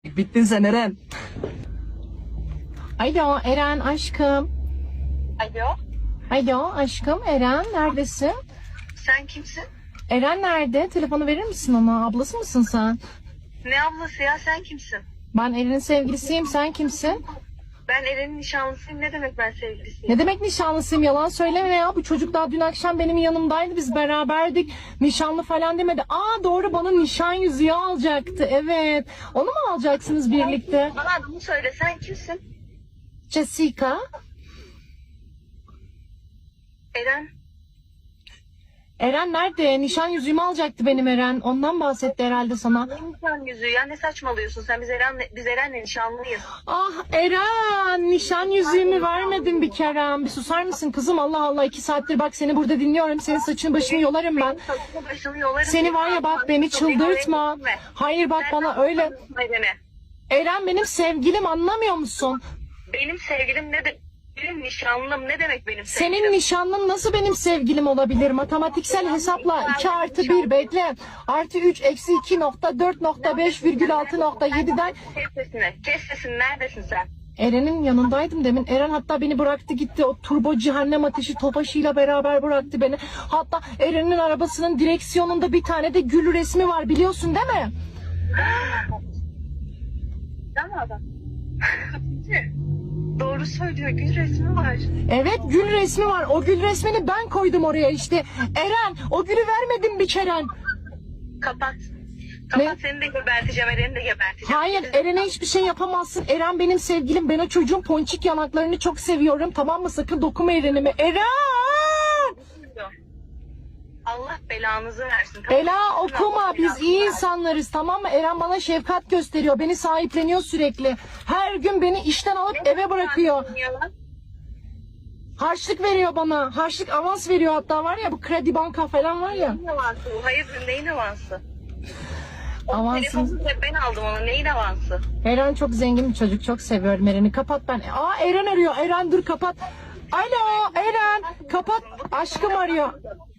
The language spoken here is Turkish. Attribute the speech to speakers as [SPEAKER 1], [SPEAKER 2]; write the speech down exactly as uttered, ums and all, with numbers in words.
[SPEAKER 1] Bittin sen Eren.
[SPEAKER 2] Alo Eren aşkım.
[SPEAKER 3] Alo,
[SPEAKER 2] Alo aşkım Eren neredesin?
[SPEAKER 3] sen kimsin?
[SPEAKER 2] Eren nerede? Telefonu verir misin ona? Ablası mısın sen?
[SPEAKER 3] Ne ablası ya, sen kimsin?
[SPEAKER 2] Ben Eren'in sevgilisiyim. Sen kimsin?
[SPEAKER 3] Ben Eren'in nişanlısıyım. Ne demek ben sevgilisiyim?
[SPEAKER 2] Ne demek nişanlısıyım? Yalan söyleme ya. Bu çocuk daha dün akşam benim yanımdaydı. Biz beraberdik. Nişanlı falan demedi. Aa doğru, bana nişan yüzüğü alacaktı. Evet. Onu mu alacaksınız birlikte?
[SPEAKER 3] Bana adımı söyle, sen kimsin?
[SPEAKER 2] Jessica.
[SPEAKER 3] Eren,
[SPEAKER 2] Eren nerede? Nişan yüzüğümü alacaktı benim Eren. Ondan bahsetti herhalde sana.
[SPEAKER 3] ne nişan yüzüğü ya, ne saçmalıyorsun sen? Biz Eren'le, biz Eren'le nişanlıyız.
[SPEAKER 2] Ah Eren, nişan yüzüğümü vermedin bir kere. Bir susar mısın kızım? Allah Allah, iki saattir bak seni burada dinliyorum. Senin saçını başını yolarım ben.
[SPEAKER 3] Saçını başını yolarım.
[SPEAKER 2] Seni var ya bak, beni çıldırtma. Hayır bak bana öyle.
[SPEAKER 3] Beni.
[SPEAKER 2] Eren benim sevgilim, anlamıyor musun?
[SPEAKER 3] Benim sevgilim ne de... Benim nişanlım ne demek benim sevgilim?
[SPEAKER 2] Senin nişanlın nasıl benim sevgilim olabilir? Matematiksel hesapla iki artı bir bekle. Artı üç eksi iki nokta dört nokta beş virgül altı nokta yediden.
[SPEAKER 3] Kes sesini, kes sesini, neredesin sen?
[SPEAKER 2] Eren'in yanındaydım demin. Eren hatta beni bıraktı gitti. O turbo cehennem ateşi Tofaş'ıyla beraber bıraktı beni. Hatta Eren'in arabasının direksiyonunda bir tane de gül resmi var, biliyorsun değil mi?
[SPEAKER 3] Sen mi adam? Doğru söylüyor, gül resmi var.
[SPEAKER 2] Evet, gül resmi var. O gül resmini ben koydum oraya işte. Eren, o gülü vermedin bir kere.
[SPEAKER 3] Kapat. Kapat,
[SPEAKER 2] Ne?
[SPEAKER 3] seni de geberteceğim, Eren'i de geberteceğim.
[SPEAKER 2] Hayır, Eren'e hiçbir şey yapamazsın. Eren benim sevgilim. Ben o çocuğun ponçik yanaklarını çok seviyorum. Tamam mı? Sakın dokunma Eren'ime. Eren!
[SPEAKER 3] Allah belanızı versin. Kapat.
[SPEAKER 2] Bela okuma.
[SPEAKER 3] Allah
[SPEAKER 2] Biz
[SPEAKER 3] belanızı
[SPEAKER 2] iyi
[SPEAKER 3] versin.
[SPEAKER 2] insanlarız, tamam mı? Eren bana şefkat gösteriyor. Beni sahipleniyor sürekli. Her gün beni işten alıp
[SPEAKER 3] Ne
[SPEAKER 2] eve bırakıyor.
[SPEAKER 3] ya?
[SPEAKER 2] Harçlık veriyor bana. Harçlık avans veriyor hatta, var ya, bu kredi banka falan var ya.
[SPEAKER 3] Neyin avansı? Hayır, neyin avansı? O
[SPEAKER 2] Avansın.
[SPEAKER 3] telefonu da ben aldım onu. Neyin avansı?
[SPEAKER 2] Eren çok zengin bir çocuk. Çok seviyorum Eren'i. Kapat ben. Aa Eren arıyor. Eren dur kapat. Alo Eren. Kapat. Aşkım arıyor.